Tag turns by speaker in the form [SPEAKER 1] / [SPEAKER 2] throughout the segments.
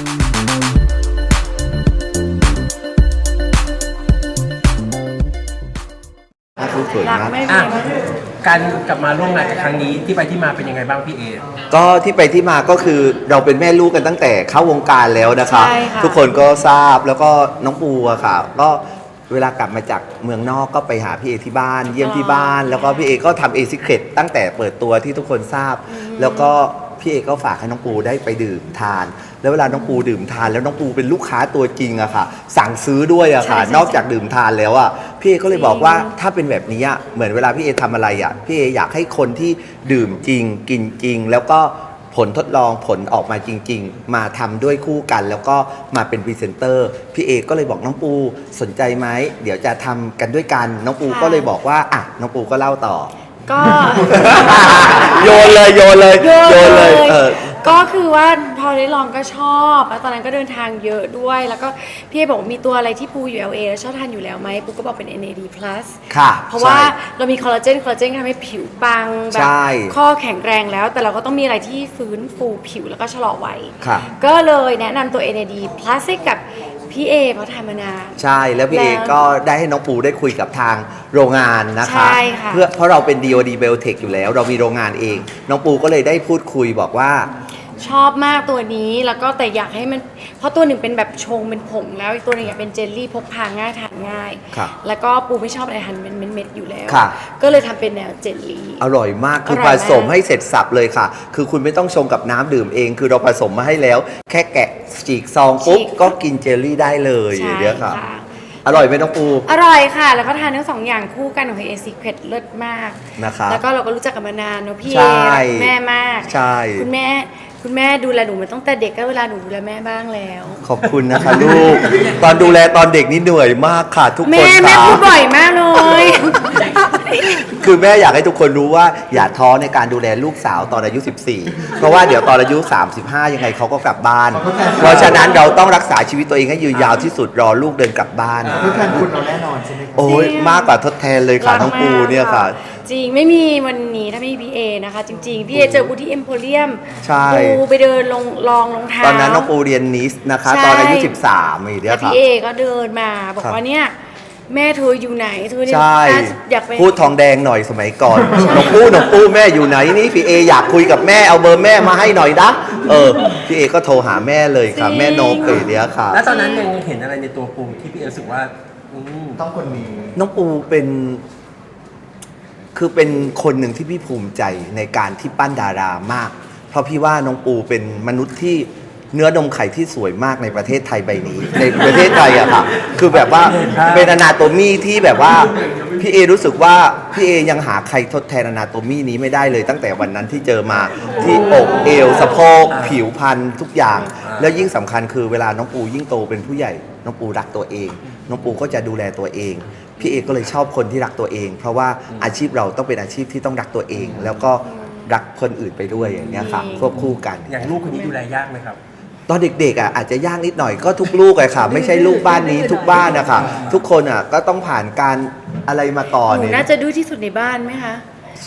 [SPEAKER 1] สวยมาก
[SPEAKER 2] การกลับมาร่วมงานกับครั้งนี้ที่ไปที่มาเป็นยังไงบ้างพี่เอ
[SPEAKER 1] ก็ที่ไปที่มาก็คือเราเป็นแม่ลูกกันตั้งแต่เข้าวงการแล้วนะคะทุกคนก็ทราบแล้วก็น้องปูอะค่ะก็เวลากลับมาจากเมืองนอกก็ไปหาพี่เอที่บ้านเยี่ยมที่บ้านแล้วก็พี่เอก็ทำเอซิเครตตั้งแต่เปิดตัวที่ทุกคนทราบแล้วก็พี่เอก็ฝากให้น้องปูได้ไปดื่มทานแล้วเวลาน้องปูดื่มทานแล้วน้องปูเป็นลูกค้าตัวจริงอะค่ะสั่งซื้อด้วยอะค่ะนอกจากดื่มทานแล้วอะพี่เอก็เลยบอกว่าถ้าเป็นแบบนี้เหมือนเวลาพี่เอทำอะไรอะพี่เออยากให้คนที่ดื่มจริงกินจริงแล้วก็ผลทดลองผลออกมาจริงๆมาทำด้วยคู่กันแล้วก็มาเป็นพรีเซนเตอร์พี่เอก็เลยบอกน้องปูสนใจไหมเดี๋ยวจะทำกันด้วยกันน้องปูก็เลยบอกว่าอ่ะน้องปูก็เล่าต่อ
[SPEAKER 3] ก็
[SPEAKER 1] โยนเลย
[SPEAKER 3] ก็คือว่าพอได้ลองก็ชอบแล้วตอนนั้นก็เดินทางเยอะด้วยแล้วก็พี่เอบอกมีตัวอะไรที่ปูอยู่ LA แล้วชอบทานอยู่แล้วไหมปูก็บอกเป็น NAD+
[SPEAKER 1] ค่ะ
[SPEAKER 3] เพราะว่าเรามีคอลลาเจนทำให้ผิวปังแบบข้อแข็งแรงแล้วแต่เราก็ต้องมีอะไรที่ฟื้นฟูผิวแล้วก็ชะลอวัยก็เลยแนะนำตัว NAD+ ให้กับพี่เอเพราะทำมานาน
[SPEAKER 1] ใช่แล้วพี่เอก็ได้ให้น้องปูได้คุยกับทางโรงงานนะคะเพราะเราเป็น DOD Biotech อยู่แล้วเรามีโรงงานเองน้องปูก็เลยได้พูดคุยบอกว่า
[SPEAKER 3] ชอบมากตัวนี้แล้วก็แต่อยากให้มันเพราะตัวหนึ่งเป็นแบบชงเป็นผงแล้วอีกตัวหนึ่งอยากเป็นเจลลี่พกพาง่ายทานง่ายแล้วก็ปูไม่ชอบอะไรทานเป็นเม็ดๆอยู่แล้วก็เลยทำเป็นแนวเจลลี่
[SPEAKER 1] อร่อยมากคือผสมให้เสร็จสับเลยค่ะคือคุณไม่ต้องชงกับน้ำดื่มเองคือเราผสมมาให้แล้วแค่แกะฉีกซองปุ๊บก็กินเจลลี่ได้เลยเดี๋ยวค่ะอร่อยไหมน้องปู
[SPEAKER 3] อร่อยค่ะแล้วก็ทานทั้ง2อย่างคู่กันของเอซิเครตเลิศมาก
[SPEAKER 1] นะคะ
[SPEAKER 3] แล้วก็เราก็รู้จักกันมานานเนาะพี่เอแม่มาก
[SPEAKER 1] ใช่
[SPEAKER 3] คุณแม่ดูแลหนูมาตั้งแต่เด็กก็เวลาหนูดูแลแม่บ้างแล้ว
[SPEAKER 1] ขอบคุณนะคะลูกตอนดูแลตอนเด็กนี่เหนื่อยมากค่ะทุกคน
[SPEAKER 3] แม่พูดบ่อยมากเลย
[SPEAKER 1] คือแม่อยากให้ทุกคนรู้ว่าอย่าท้อในการดูแลลูกสาวตอนอายุ14เพราะว่าเดี๋ยวตอนอายุ35ยังไงเขาก็กลับบ้านเพราะฉะนั้นเราต้องรักษาชีวิตตัวเองให้ยืนยาวที่สุดรอลูกเดินกลับบ้าน
[SPEAKER 4] ทดแทนคุณเราแน่นอนใช่ไหม
[SPEAKER 1] โอ้ยมากกว่าทดแทนเลยค่ะน้องปูเนี่ยค่ะ
[SPEAKER 3] จริงไม่มีวันนี้ถ้าไม่มีพี่เอนะคะจริงๆพี่เอเจอปูที่เอ็มโพเรียมปูไปเดินลองรองเท้า
[SPEAKER 1] ตอนนั้นน้องปูเรียนนิสนะคะตอนอายุ13นี่เดียวค่ะ
[SPEAKER 3] พี่เอก็เดินมาบอกว่าเนี่ยแม่เธออยู่ไหนเธอ
[SPEAKER 1] ใช่
[SPEAKER 3] อยากไป
[SPEAKER 1] พูดทองแดงหน่อยสมัยก่อนน้องปูแม่อยู่ไหนนี่พี่เออยากคุยกับแม่เอาเบอร์แม่มาให้หน่อยนะพี่เอก็โทรหาแม่เลยค่ะแม่โนเกเดียวค่ะ
[SPEAKER 2] แล้วตอนนั้นยังเห็นอะไรในตัวปูที่พี่เอรู้สึกว่า
[SPEAKER 4] ต้องคนนี้
[SPEAKER 1] น้องปูเป็นคนหนึ่งที่พี่ภูมิใจในการที่ปั้นดารามากเพราะพี่ว่าน้องปูเป็นมนุษย์ที่เนื้อนมไข่ที่สวยมากในประเทศไทยใบนี้ในประเทศไทยอะค่ะคือแบบว่าเป็นอนาโตมีที่แบบว่าพี่เอรู้สึกว่าพี่เอยังหาใครทดแทนอนาโตมีนี้ไม่ได้เลยตั้งแต่วันนั้นที่เจอมาที่อกเอวสะโพกผิวพรรณทุกอย่างแล้วยิ่งสำคัญคือเวลาน้องปูยิ่งโตเป็นผู้ใหญ่น้องปูรักตัวเองน้องปูก็จะดูแลตัวเองพี่เอก็เลยชอบคนที่รักตัวเองเพราะว่าอาชีพเราต้องเป็นอาชีพที่ต้องรักตัวเองแล้วก็รักคนอื่นไปด้วยอย่างนี้ค่ะควบคู่กัน
[SPEAKER 2] อย่างลูกคนนี้ดูแลยากไหมครับ
[SPEAKER 1] ตอนเด็กๆอาจจะยากนิดหน่อยก็ทุกลูกเลยค่ะไม่ใช่ลูกบ้านนี้ทุกบ้านนะคะทุกคนก็ต้องผ่านการอะไรมาก่อน
[SPEAKER 3] น่าจะดื้อที่สุดในบ้านไหมคะ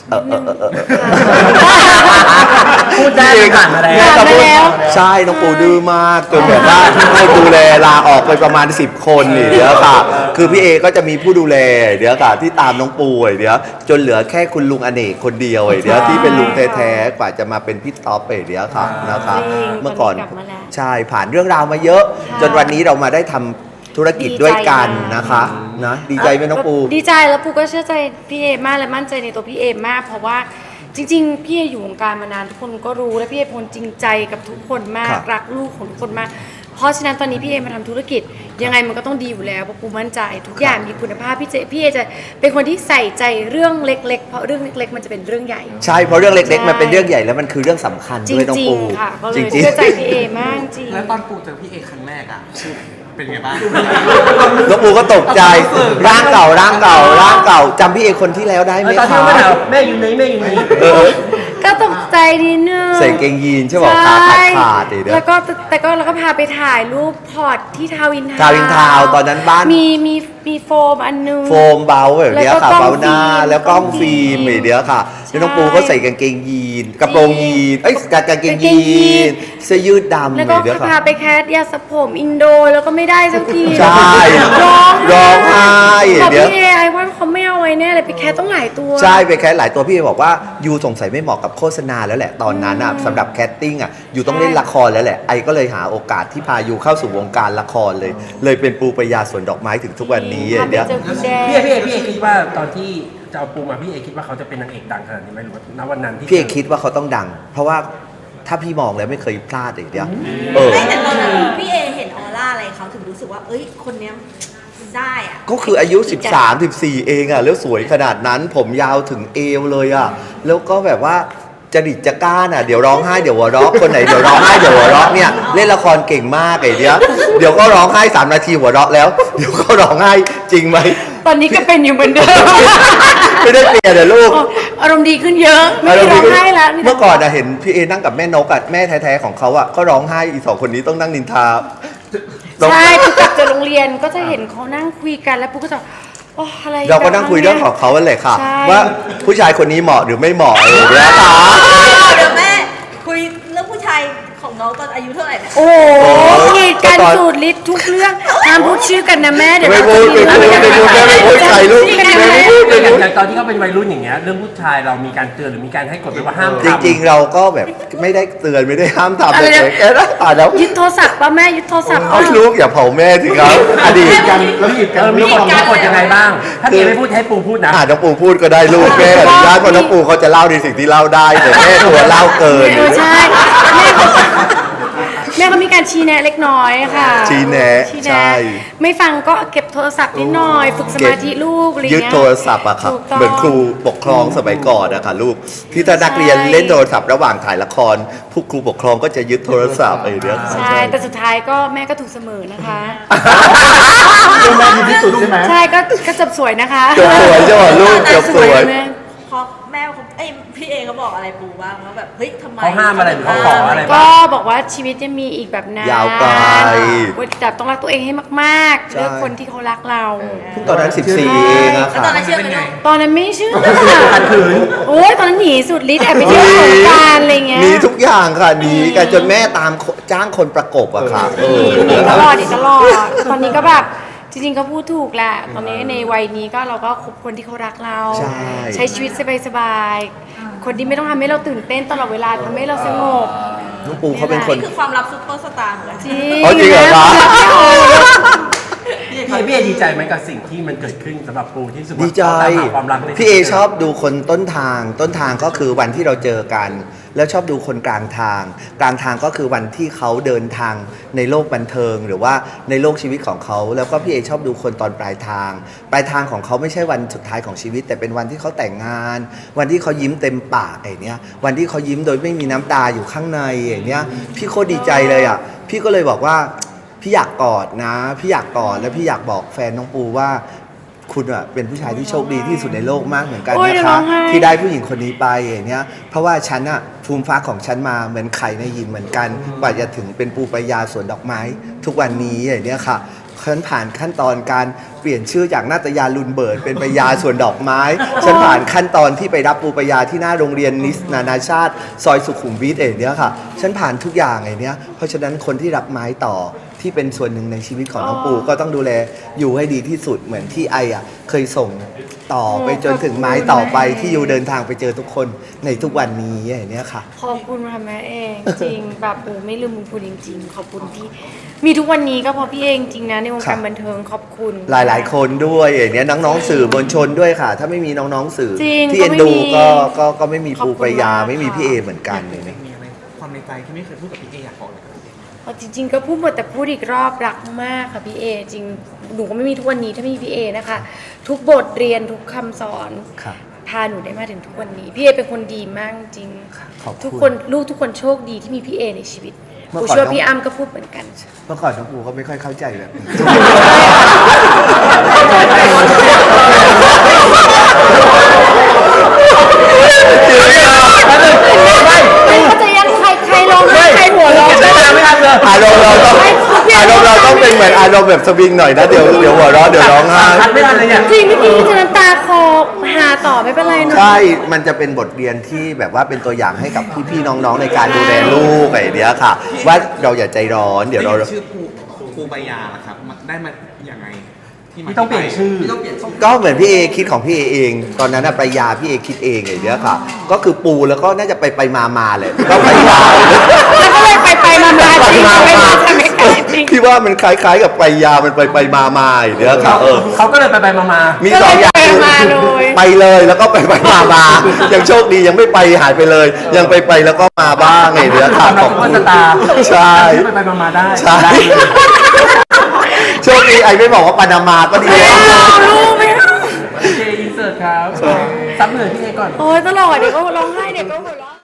[SPEAKER 2] พูดได้ผ่านมา
[SPEAKER 3] แล้ว
[SPEAKER 1] ใช่น้องปูดื้อมากจนแบบว่าให้ดูแลลาออกไปประมาณ10 คนเดี๋ยวค่ะคือพี่เอก็จะมีผู้ดูแลเดี๋ยวค่ะที่ตามน้องปูเดี๋ยวจนเหลือแค่คุณลุงอเนกคนเดียวเดี๋ยวที่เป็นลุงแท้ๆกว่าจะมาเป็นพี่ท็อปเดี๋ยวค่ะนะคะเมื่อก่อนใช่ผ่านเรื่องราวมาเยอะจนวันนี้เรามาได้ทำธุรกิจด้วยกันนะคะนะดีใจไหมน้องปู
[SPEAKER 3] ดีใจแล้วปูก็เชื่อใจพี่เอมากและมั่นใจในตัวพี่เอมากเพราะว่าจริงๆพี่เออยู่วงการมานานทุกคนก็รู้และพี่เอเป็นคนจริงใจกับทุกคนมากรักลูกของทุกคนมากเพราะฉะนั้นตอนนี้พี่เอมาทำธุรกิจยังไงมันก็ต้องดีอยู่แล้วเพราะปูมั่นใจทุกอย่างมีคุณภาพพี่เอจะเป็นคนที่ใส่ใจเรื่องเล็กๆเพราะเรื่องเล็กๆมันจะเป็นเรื่องใหญ่
[SPEAKER 1] ใช่เพราะเรื่องเล็กๆมันเป็นเรื่องใหญ่แล้วมันคือเรื่องสำคัญด้วยน้องปู
[SPEAKER 3] จริงๆเชื่อใจพี่เอมากจริง
[SPEAKER 4] แล้วตอนปูเจอพี่เอครั้งแรกเป็นไงบ้าง
[SPEAKER 1] น้องปูก็ตกใจร่างเก่าจำพี่เอคนที่แล้วได้ไหมคะ
[SPEAKER 2] แม่อยู่ไหน
[SPEAKER 3] ก็ตกใจนิดนึง
[SPEAKER 1] ใส่เกงยีนใช่ไหมขาด
[SPEAKER 3] แล้วก็พาไปถ่ายรูปพอร์ตที่ทาวิน
[SPEAKER 1] ทาวตอนนั้นบ้าน
[SPEAKER 3] มีโฟมอันนึง
[SPEAKER 1] โฟมเบาแบบนี้ค่ะเบาหน้าแล้วกล้องฟิล์มเดี๋ยวค่ะแล้วน้องปูก็ใส่กางเกงยีนกระโปรงยีนกางเกงยีนเสื้อยืดดำ
[SPEAKER 3] แล้วก็
[SPEAKER 1] เดี๋ยว
[SPEAKER 3] พาไปแคสยาสระผมอินโดแล้วก็ไม่ได้สักที
[SPEAKER 1] ใช่ ร้องไห้
[SPEAKER 3] บอก
[SPEAKER 1] เดี๋ยว
[SPEAKER 3] พี่เอไอ้ว่าเขาไม่เอาไว้แน่เลยไปแคสต้องหลายตัว
[SPEAKER 1] ใช่ไปแคสหลายตัวพี่เอบอกว่ายูสงสัยไม่เหมาะกับโฆษณาแล้วแหละตอนนั้นอ่ะสำหรับแคสติ้งอ่ะยูต้องเล่นละครแล้วแหละไอก็เลยหาโอกาสที่พายูเข้าสู่วงการละครเลยเป็นปูปรายาสวนดอกไม้ถึงทุกวันนี้
[SPEAKER 3] พาไป
[SPEAKER 1] เดี๋ยว
[SPEAKER 3] เจอคุณแดง
[SPEAKER 2] พี่เอคิดว่าตอนที่จะเอาปูมาพี่เอคิดว่าเขาจะเป็นนางเอกดังขนาดนี้ไหมหรือว่าณวันนั้นที่
[SPEAKER 1] พี่เอคิดว่าเขาต้องดัง เพราะว่าถ้าพี่มองแล้วไม่เคยพลาดเลยเดียว
[SPEAKER 5] ไม่แต่ตอนนั้นพี่เอเห็นออร่าอะไรเขาถึงรู้สึกว่า เอ้ย คนเนี้ยได้อะ
[SPEAKER 1] ก็คืออายุ 13 14 เองอ่ะแล้วสวยขนาดนั้นผมยาวถึงเอวเลยอ่ะแล้วก็แบบว่าจริตจะกล้านอ่ะเดี๋ยวร้องไห้เดี๋ยวหัวเราะคนไหนเดี๋ยวร้องไห้เดี๋ยวหัวเราะเนี่ยเล่นละครเก่งมากไอ้เดียวเดี๋ยวก็ร้องไห้3 นาทีหัวเราะแล้วเดี๋ยวก็ร้องไห้จริงไหม
[SPEAKER 3] ตอนนี้ก็เป็นอยู่เหมือนเดิม
[SPEAKER 1] ไม่ได้เปลี่ยนเลยลูก
[SPEAKER 3] อารมณ์ดีขึ้นเยอะไม่ได้ร้องไห้แล้ว
[SPEAKER 1] เมื่อก่อนอะเห็นพี่เอนั่งกับแม่นกอะแม่แท้ๆของเขาอะก็ร้องไห้อีสองคนนี้ต้องนั่งนินทา
[SPEAKER 3] ใช่ปุ๊กกลับจากโรงเรียนก็จะเห็นเขานั่งคุยกันแล้วปุ๊กก็จะโอ้อะไร
[SPEAKER 1] เราก็นั่งคุยเรื่องของเขาเลยค่ะ
[SPEAKER 3] ใช่
[SPEAKER 1] ว่าผู้ชายคนนี้เหมาะหรือไม่เหมาะอะไรอย่างเงี้ยค่ะ
[SPEAKER 5] เดี๋ยวแม่คุยเรื่องผู้ชายของน้องตอนอายุเท่าไหร่เนี่ย
[SPEAKER 3] โอ้กีดกันสูตรฤทธิ์ทุกเรื่องห้ามพูดชื่อกันนะแม่เดี๋ยว
[SPEAKER 1] ไม่
[SPEAKER 3] เรา
[SPEAKER 1] พูด
[SPEAKER 3] จะ
[SPEAKER 1] ไม่พูดใครลูกไม่พูด
[SPEAKER 2] อย่างตอนที่เขาเป็นวัยรุ่นอย่างเงี้ยเรื่องผู้ชายเรามีการเตือนหรือมีการให้กฎไว้ว่าห้าม
[SPEAKER 1] จ
[SPEAKER 2] ทำ
[SPEAKER 1] ริงๆเราก็แบบไม่ได้เตือนไม่ได้ห้ามทำเลยแค่นั้นแล้ว
[SPEAKER 3] ยึดโทรศัพท์ป่ะแม่ยึดโทรศัพท์
[SPEAKER 1] เอาลูกอย่าเผาแม่สิครับอดีต
[SPEAKER 4] กันแล้วหยิบกัน
[SPEAKER 2] มีกฎยังไงบ้าง ถ้าเอไม่พูดให้ปูพูดนะ
[SPEAKER 1] น้องปูพูดก็ได้ลูกแม่อนุญาตเพราะน้องปูเขาจะเล่าในสิ่งที่เล่าได้แต่แม่ตัวเล่าเกิน
[SPEAKER 3] ใช่แม่เขามีการชี้แนะเล็กน้อยค่ะ
[SPEAKER 1] ชี้แนะ
[SPEAKER 3] ชี้
[SPEAKER 1] ใช่
[SPEAKER 3] ไม่ฟังก็เก็บโทรศัพท์นิดหน่อย ฝึกสมาธิลูกอะไร
[SPEAKER 1] ยึด
[SPEAKER 3] เงี้ย
[SPEAKER 1] โทรศัพท์อะครับ
[SPEAKER 3] ถูกต้อง
[SPEAKER 1] เหมือนครูปกครองสมัยก่อนอะค่ะลูกที่ถ้านักเรียนเล่นโทรศัพท์ระหว่างถ่ายละครผู้ครูปกครองก็จะยึดโทรศัพท์อะไรอย่างเงี้ย
[SPEAKER 3] ใช่ แต่สุดท้ายก็แม่ก็ถูกเสมอนะคะ
[SPEAKER 4] เป็นแม่ดีที่สุดใช่ไหม
[SPEAKER 3] ใช่ก็จบสวยนะคะ
[SPEAKER 1] จบสวยใช่ไหมลูกจบสวย
[SPEAKER 3] แม่
[SPEAKER 5] พอแม่เขาเอ้ยพี่เอเขาบอกอะไรปูบ้างว่าแบบ เฮ้ยทำไม
[SPEAKER 2] เขาห้ามอะไรหรือเขาขออะไร
[SPEAKER 3] ก็บอกว่าชีวิตจะมีอีกแบบนาน
[SPEAKER 1] ยาวไกล
[SPEAKER 3] แต่ต้องรักตัวเองให้มาก ๆ
[SPEAKER 1] ใช่
[SPEAKER 3] เลือกคนที่เขารักเรา
[SPEAKER 1] เพิ่งตอนนั้น 14 เองอะ
[SPEAKER 5] แล้ว
[SPEAKER 1] ค่ะ
[SPEAKER 5] ตอนนั้นเชื่อไหมลูก
[SPEAKER 3] ตอนนั้นไม่เชื่อโอ้ยตอนนั้นหนีสุดฤทธิ์แอบไปเที่ยวสงกรารอะไรเงี้ย
[SPEAKER 1] มีทุกอย่างค่ะหนีกันจนแม่ตามจ้างคนประกบอะค่ะ
[SPEAKER 3] หนีตลอดหนีตลอด ตอนนี้ก็แบบจริงๆก็พูดถูกแหละ ตอนนี้ในวัยนี้ก็เราก็คบคนที่เขารักเรา
[SPEAKER 1] ใช่
[SPEAKER 3] ชีวิตสบายๆ คนที่ไม่ต้องทำให้เราตื่นเต้นตลอดเวลาทำให้เราสงบ
[SPEAKER 1] น้องปูเขาเป็นคน
[SPEAKER 5] นี่คือความลับซุปเปอร์สตาร์เหมือนกัน
[SPEAKER 3] จริง
[SPEAKER 1] อ๋อจริงเหรอคะ
[SPEAKER 2] พี่เอดีใจไหมกับสิ่งที่มันเกิดขึ้นสำหรับปูที่รู้สุด
[SPEAKER 1] ดีใจ
[SPEAKER 2] ตามหาความรักใน
[SPEAKER 1] พี่เอชอบดูคนต้นทางก็คือวันที่เราเจอกัน แล้วชอบดูคนกลางทางก็คือวันที่เขาเดินทางในโลกบันเทิง หรือว่าในโลกชีวิตของเขาแล้วก็พี่เอชอบดูคนตอนปลายทางของเขาไม่ใช่วันสุดท้ายของชีวิต แต่เป็นวันที่เขาแต่งงาน วันที่เขายิ้มเต็มปากอย่างเนี้ยวันที่เขายิ้มโดยไม่มีน้ำตาอยู่ข้างในอย่างเนี้ยพี่โคตรดีใจเลยอ่ะพี่ก็เลยบอกว่าพี่อยากกอดนะพี่อยากกอดแล้วพี่อยากบอกแฟนน้องปูว่าคุณอะเป็นผู้ชายที่โชคดีที่สุดในโลกมากเหมือนกัน
[SPEAKER 3] โอ้ย
[SPEAKER 1] นะ
[SPEAKER 3] เดี๋ยว
[SPEAKER 1] คะ
[SPEAKER 3] ร้องไห้
[SPEAKER 1] ที่ได้ผู้หญิงคนนี้ไปอย่างเนี้ยเพราะว่าฉันอะภูมิฟ้าของฉันมาเหมือนไข่ในหินเหมือนกันกว่าจะถึงเป็นปูปรายาสวนดอกไม้ ทุกวันนี้อย่างเนี้ยค่ะฉันผ่านขั้นตอนการเปลี่ยนชื่อจากนาตยาลุนเบิร์ดเป็นปรายาสวนดอกไม้ ฉันผ่านขั้นตอนที่ไปรับปูปรายาที่หน้าโรงเรียนนิสนานาชาติซอยสุขุมวิทอย่างเนี้ยค่ะฉันผ่านทุกอย่างอย่างเนี้ยเพราะฉะนั้นคนที่รักไม้ต่อที่เป็นส่วนหนึ่งในชีวิตของน้องปูก็ต้องดูแลอยู่ให้ดีที่สุดเหมือนที่ไออะเคยส่งต่อไปจนถึงไม้ต่อไปที่อยู่เดินทางไปเจอทุกคนในทุกวันนี้อย่างเนี้ยค่ะ
[SPEAKER 3] ขอบคุณค่ะแม่เองจริงแบบโอ้ไม่ลืมบุญคุณจริงๆขอบคุณที่มีทุกวันนี้ก็เพราะพี่เองจริงนะในวงการบันเทิงขอบคุณ
[SPEAKER 1] หลายๆ คนด้วยอย่างเนี้ยน้องๆสื่อมวลชนด้วยค่ะ ถ้าไม่มีน้องๆสื่อ
[SPEAKER 3] จริง
[SPEAKER 1] ที่เอ็นดู
[SPEAKER 3] ก็ไม่มี
[SPEAKER 1] ก็ไม่มีปูปรายา
[SPEAKER 3] ขอบคุณมาก
[SPEAKER 1] ไม่มี
[SPEAKER 3] ค่ะ
[SPEAKER 1] พี่เอเหมือนกันเลยนะ
[SPEAKER 4] มีอะไรความในใจที่ไม่เคยพูดกับพี่เออยากบอกเลยครับพี่เอ
[SPEAKER 3] เอาจริงๆก็พูดหมดแต่พูดอีกรอบรักมากค่ะพี่เอจริงหนูก็ไม่มีทุกวันนี้ถ้าไม่มีพี่เอนะคะ ทุกบทเรียนทุกคำสอน
[SPEAKER 1] ครับ
[SPEAKER 3] พาหนูได้มาถึงทุกวันนี้พี่เอเป็นคนดีมากจริง
[SPEAKER 1] ขอบคุณ
[SPEAKER 3] ทุกคนลูกทุกคนโชคดีที่มีพี่เอในชีวิต
[SPEAKER 1] เมื่
[SPEAKER 3] ห
[SPEAKER 1] อ
[SPEAKER 3] นู
[SPEAKER 1] ก่อน
[SPEAKER 3] เชื่อพี่อ้ำก็พูดเหมือนกัน
[SPEAKER 1] เมื่อก่อนน้องปูก็ไม่ค่อยเข้าใจแบบนี้
[SPEAKER 3] ก็จะยังใครร้องไห้ใครหัวเราะ
[SPEAKER 2] ไม่ทันเลย
[SPEAKER 1] อารมณ์เราต้องเป็นเหมือนอารมณ์แบบสวิงหน่อยนะเดี๋ยวหัวเราะเดี๋ยวร้องไห้
[SPEAKER 2] ทันไม่ทันเลยเนี่ย
[SPEAKER 3] จริงเมื่อกี้จะน้ำตาคอหาต่อไม่เป็นไรเนอะ
[SPEAKER 1] ใช่ มันจะเป็นบทเรียนที่แบบว่าเป็นตัวอย่างให้กับพี่ๆน้องๆในการดูแลลูกอะไรอย่างเนี้ยค่ะ ว่าเราอย่าใจร้อนเดี๋ยวเรา
[SPEAKER 4] ชื่อครูปายาล่ะครับมันได้มาอย่างไงที่มา
[SPEAKER 2] ที่ต้องเปลี่ยนชื่อ
[SPEAKER 4] ที่ต้องเปลี่ยนชื่อ
[SPEAKER 1] ก็เหมือนพี่เอคิดของพี่เอเอง ตอนนั้นน่ะปรายาพี่เอคิดเองไอ้เนี้ยค่ะ ก็คือปูแล้วก็น่าจะไปมาเลยก็ไปยา
[SPEAKER 3] แล้วก็เลยไปมาจริงไม่มาใช่ไหมคะจริง
[SPEAKER 1] ที่ว่ามันคล้ายๆกับปรายามันไปมาไอ้เนี้ยค่ะ
[SPEAKER 2] เขาก็เลยไปมา
[SPEAKER 1] มีสองอย่าง
[SPEAKER 3] ก็เลยไปมาเลย
[SPEAKER 1] ไปเลยแล้วก็ไปมายังโชคดียังไม่ไปหายไปเลย ยังไปแล้วก็มาบ้างไอ้เนี้ยค่ะ
[SPEAKER 2] เราก็สตาร์
[SPEAKER 1] ใช่
[SPEAKER 2] ไปมาได้
[SPEAKER 1] ใช่ โชคดีไอ้ไม่บอกว่าปานามาก็ดีแล้ว
[SPEAKER 3] เอาลูกไม่เอา
[SPEAKER 2] โอเคอินเสิร์ตครับซับเหนื่อยพี่เอก่อน
[SPEAKER 3] โอ้ยตลอดเดี๋ยวก็ร้องไห้เดี๋ยวก็หัวเราะ